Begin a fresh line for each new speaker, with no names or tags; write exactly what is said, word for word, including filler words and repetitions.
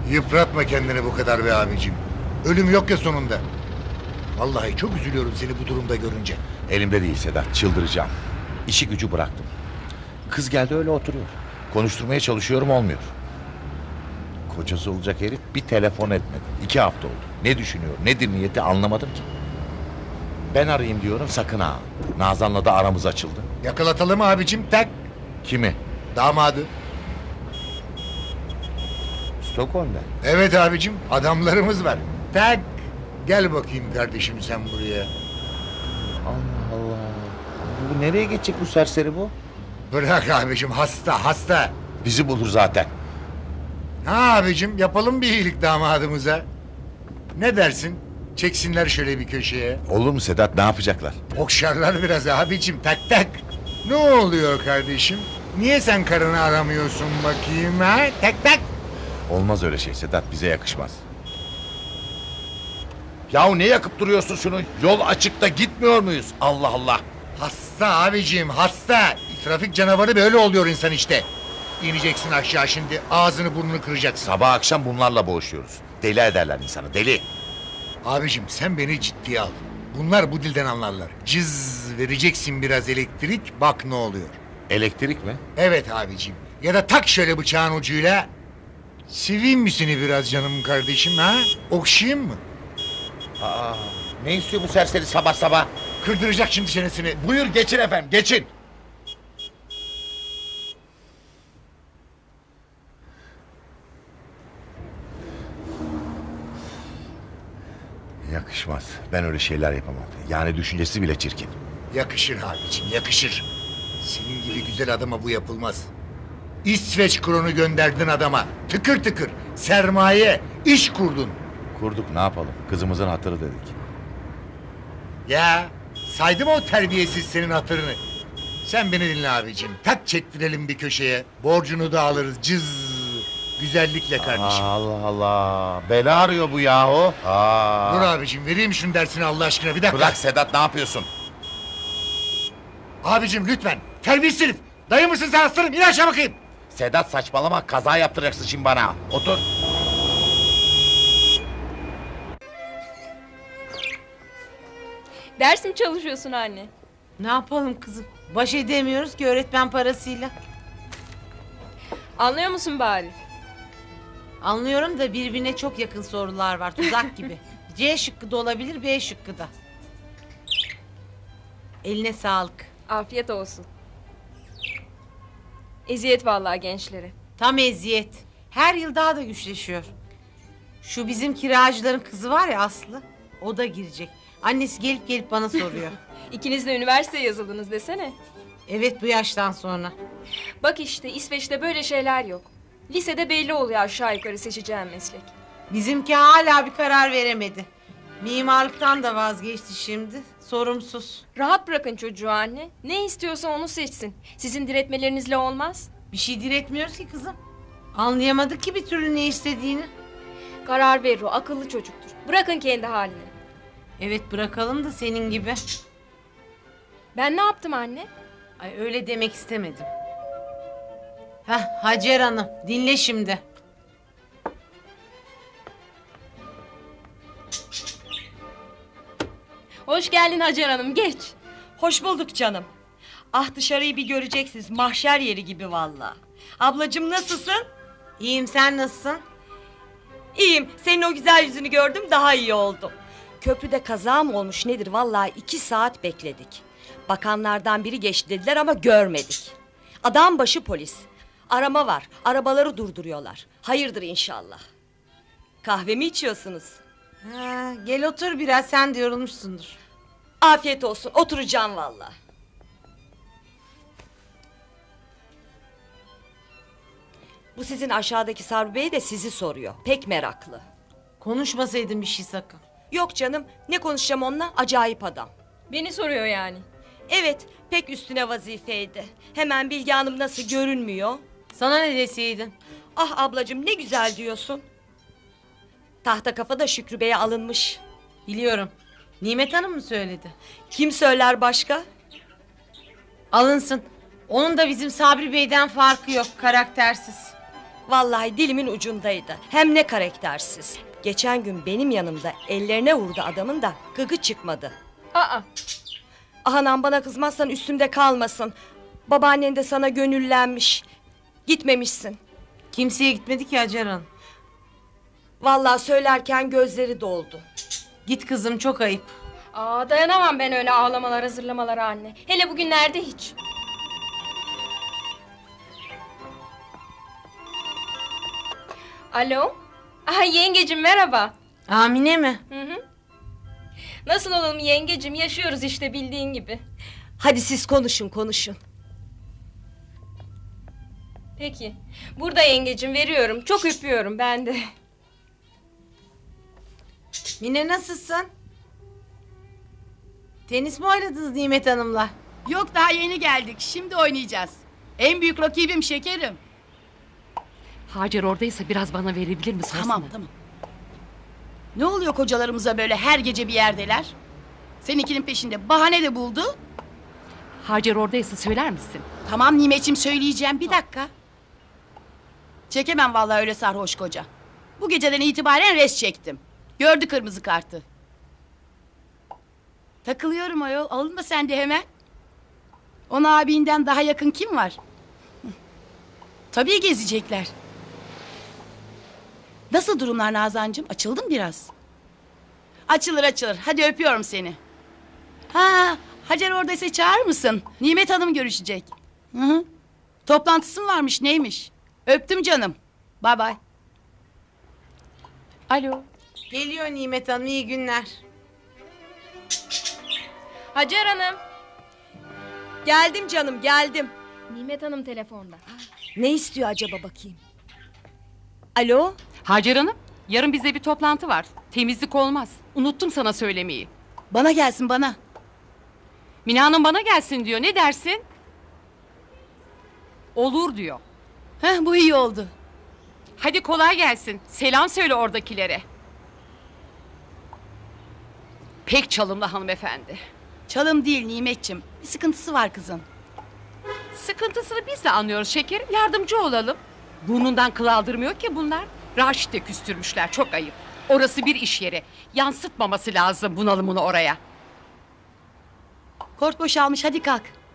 Yıpratma kendini bu kadar be abicim. Ölüm yok ya sonunda. Vallahi çok üzülüyorum seni bu durumda görünce.
Elimde değil Sedat, çıldıracağım. İşi gücü bıraktım. Kız geldi öyle oturuyor. Konuşturmaya çalışıyorum, olmuyor. Kocası olacak herif bir telefon etmedi. İki hafta oldu. Ne düşünüyor, nedir niyeti anlamadım ki. Ben arayayım diyorum, sakın ha. Nazan'la da aramız açıldı.
Yakalatalım abicim, tak.
Kimi?
Damadı.
Stockholm'da.
Evet abicim, adamlarımız var. Tak. Gel bakayım kardeşim sen buraya.
Allah Allah. Bu nereye geçecek bu serseri bu?
Bırak abicim, hasta hasta.
Bizi bulur zaten.
Ha abicim, yapalım bir iyilik damadımıza. Ne dersin? Çeksinler şöyle bir köşeye.
Olur mu Sedat, ne yapacaklar?
Okşarlar biraz abicim, tak tak. Ne oluyor kardeşim? Niye sen karını aramıyorsun bakayım ha? Tak tak.
Olmaz öyle şey Sedat, bize yakışmaz. Yahu ne yakıp duruyorsun şunu? Yol açıkta, gitmiyor muyuz? Allah Allah.
Hasta abicim, hasta. Trafik canavarı böyle oluyor insan işte. İneceksin aşağı şimdi, ağzını burnunu kıracaksın.
Sabah akşam bunlarla boğuşuyoruz. Deli ederler insanı, deli.
Abicim sen beni ciddiye al. Bunlar bu dilden anlarlar. Cız vereceksin biraz elektrik, bak ne oluyor.
Elektrik mi?
Evet abicim. Ya da tak şöyle bıçağın ucuyla. Seveyim mi seni biraz canım kardeşim ha? Okşayayım mı?
Aa, ne istiyor bu serseri sabah sabah?
Kırdıracak şimdi çenesini.
Buyur geçin efendim, geçin. Yakışmaz. Ben öyle şeyler yapamam. Yani düşüncesi bile çirkin.
Yakışır abicim, yakışır. Senin gibi güzel adama bu yapılmaz. İsveç kronu gönderdin adama. Tıkır tıkır. Sermaye, iş kurdun.
Kurduk, ne yapalım? Kızımızın hatırı dedik.
Ya saydım o terbiyesiz senin hatırını. Sen beni dinle abicim. Tak çektirelim bir köşeye. Borcunu da alırız. Cız. Güzellikle kardeşim.
Allah Allah. Bela arıyor bu yahu. Aa.
Dur abicim, vereyim şunun dersini Allah aşkına, bir dakika.
Bırak Sedat, ne yapıyorsun?
Abicim lütfen. Terbiyesiz herif. Dayı mısın sen aslanım? İn aşağı bakayım.
Sedat saçmalama, kaza yaptıracaksın şimdi bana. Otur.
Ders mi çalışıyorsun anne?
Ne yapalım kızım? Baş edemiyoruz ki öğretmen parasıyla.
Anlıyor musun bari?
Anlıyorum da birbirine çok yakın sorular var, tuzak gibi. C şıkkı da olabilir, B şıkkı da. Eline sağlık.
Afiyet olsun. Eziyet vallahi gençlere.
Tam eziyet. Her yıl daha da güçleşiyor. Şu bizim kiracıların kızı var ya Aslı, o da girecek. Annesi gelip gelip bana soruyor.
İkiniz de üniversiteye yazıldınız desene.
Evet, bu yaştan sonra.
Bak işte İsveç'te böyle şeyler yok. Lisede belli oluyor aşağı yukarı seçeceğim meslek.
Bizimki hala bir karar veremedi. Mimarlıktan da vazgeçti şimdi. Sorumsuz.
Rahat bırakın çocuğu anne. Ne istiyorsa onu seçsin. Sizin diretmelerinizle olmaz.
Bir şey diretmiyoruz ki kızım. Anlayamadık ki bir türlü ne istediğini.
Karar verir o, akıllı çocuktur. Bırakın kendi haline.
Evet, bırakalım da senin gibi.
Ben ne yaptım anne?
Ay, öyle demek istemedim. Heh, Hacer Hanım, dinle şimdi.
Hoş geldin Hacer Hanım, geç.
Hoş bulduk canım. Ah, dışarıyı bir göreceksiniz. Mahşer yeri gibi vallahi. Ablacığım nasılsın?
İyiyim, sen nasılsın?
İyiyim. Senin o güzel yüzünü gördüm, daha iyi oldum. Köprüde kaza mı olmuş nedir? Vallahi iki saat bekledik. Bakanlardan biri geçti dediler ama görmedik. Adam başı polis. Arama var. Arabaları durduruyorlar. Hayırdır inşallah. Kahve mi içiyorsunuz?
Ha, gel otur biraz, sen de yorulmuşsundur.
Afiyet olsun. Oturacağım vallahi. Bu sizin aşağıdaki Sabri Bey de sizi soruyor. Pek meraklı.
Konuşmasaydın bir şey sakın.
Yok canım, ne konuşacağım onunla? Acayip adam.
Beni soruyor yani.
Evet, pek üstüne vazifeydi. Hemen Bilge Hanım nasıl görünmüyor?
Sana ne deseydin?
Ah ablacığım, ne güzel diyorsun. Tahta kafa da Şükrü Bey'e alınmış.
Biliyorum. Nimet Hanım mı söyledi?
Kim söyler başka?
Alınsın. Onun da bizim Sabri Bey'den farkı yok, karaktersiz.
Vallahi dilimin ucundaydı. Hem ne karaktersiz. Geçen gün benim yanımda ellerine vurdu adamın da gıgı çıkmadı.
Aa,
Ahanan bana kızmazsan üstümde kalmasın. Babaannen de sana gönüllenmiş. Gitmemişsin.
Kimseye gitmedi ki Hacer Hanım.
Vallahi söylerken gözleri doldu.
Git kızım, çok ayıp.
aa dayanamam ben öyle ağlamalara, zırlamalara anne. Hele bugünlerde hiç. Alo? Aha yengecim merhaba.
Amine mi?
Hı hı. Nasıl olalım yengecim? Yaşıyoruz işte bildiğin gibi.
Hadi siz konuşun konuşun.
Peki. Burada yengecim veriyorum. Çok öpüyorum ben de.
Mine nasılsın? Tenis mi oynadınız Nimet Hanım'la?
Yok daha yeni geldik. Şimdi oynayacağız. En büyük rakibim şekerim.
Hacer oradaysa biraz bana verebilir mi? Sorsana.
Tamam tamam. Ne oluyor kocalarımıza böyle her gece bir yerdeler? Seninkinin peşinde bahane de buldu.
Hacer oradaysa söyler misin?
Tamam Nimet'ciğim söyleyeceğim bir dakika. Çekemem vallahi öyle sarhoş koca. Bu geceden itibaren res çektim. Gördü kırmızı kartı. Takılıyorum ayol. Alınma sen de hemen. Ona abinden daha yakın kim var? Hı. Tabii gezecekler. Nasıl durumlar Nazancığım? Açıldın biraz. Açılır açılır. Hadi öpüyorum seni. Ha, Hacer oradaysa çağırır mısın? Nimet Hanım görüşecek. Hı hı. Toplantısı mı varmış neymiş? Öptüm canım. Bay bay.
Alo.
Geliyor Nimet Hanım, iyi günler.
Hacer Hanım.
Geldim canım geldim.
Nimet Hanım telefonda.
Ne istiyor acaba bakayım? Alo?
Hacer Hanım, yarın bizde bir toplantı var. Temizlik olmaz. Unuttum sana söylemeyi.
Bana gelsin bana.
Mine Hanım bana gelsin diyor. Ne dersin? Olur diyor.
Heh, bu iyi oldu.
Hadi kolay gelsin. Selam söyle oradakilere. Pek çalımlı hanımefendi.
Çalım değil Nimet'ciğim. Bir sıkıntısı var kızın.
Sıkıntısını biz de anlıyoruz şekerim. Yardımcı olalım. Burnundan kıl aldırmıyor ki bunlar. Raşit de küstürmüşler. Çok ayıp. Orası bir iş yeri. Yansıtmaması lazım bunalımını oraya.
Kort boşalmış hadi kalk.